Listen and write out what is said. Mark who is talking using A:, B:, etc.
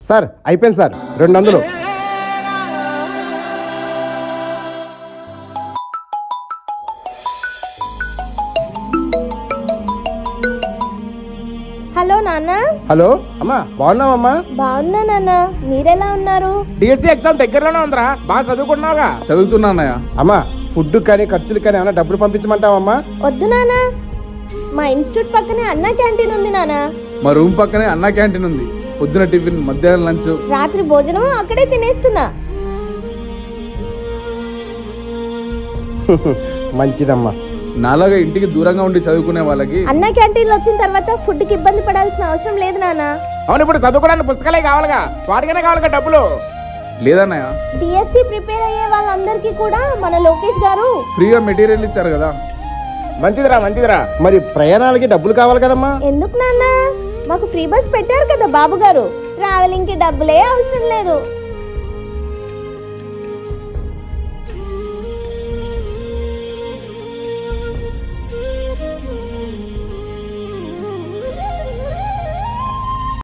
A: Sir అయిపోయింది sir 200.
B: Hello నాన్న.
A: Hello అమ్మా, బాగున్నావమ్మా?
B: బాగున్నా నాన్న, మీరెలా ఉన్నారు?
C: డిఎస్సి ఎగ్జామ్ దగ్గరలోనే ఉందిరా, బాగా చదువుకున్నావుగా?
D: చదువుతున్నా అన్నయ్య.
A: అమ్మా, ఫుడ్ కానీ ఖర్చులు కానీ ఏమైనా డబ్బులు పంపించమంటావమ్మా?
B: వద్దు నాన్న, మా ఇన్స్టిట్యూట్ పక్కనే అన్నా క్యాంటీన్ ఉంది నాన్న.
D: మా రూమ్ పక్కనే అన్నా క్యాంటీన్ ఉంది. పొద్దున టిఫిన్, మధ్యాహ్నం లంచ్,
B: రాత్రి భోజనం అక్కడే తినేస్తున్నా.
A: మంచిదమ్మా.
D: నాలాగా ఇంటికి దూరంగా ఉండి చదువుకునే వాళ్ళకి
B: అన్నా క్యాంటీన్ వచ్చిన తర్వాత ఫుడ్ కి ఇబ్బంది పడాల్సిన అవసరం లేదు నాన్న.
C: అవును, ఇప్పుడు చదువుకోవడానికి పుస్తకాలే కావాలిగా, వాటికనే కావాలిగా డబ్బులు.
D: లేదన్నయ్య,
B: డిఎస్సి ప్రిపేర్ అయ్యే వాళ్ళందరికీ కూడా మన లోకేష్ గారు
D: ఫ్రీగా మెటీరియల్ ఇచ్చారు కదా.
C: మంచిదిరా మంచిదిరా.
A: మరి ప్రయాణాలకి డబ్బులు కావాలి కదమ్మా?
B: ఎందుకు నాన్న, మాకు ఫ్రీ బస్ పెట్టారు కదా బాబు గారు. ట్రావెలింగ్ కి డబ్బులే అవసరం లేదు.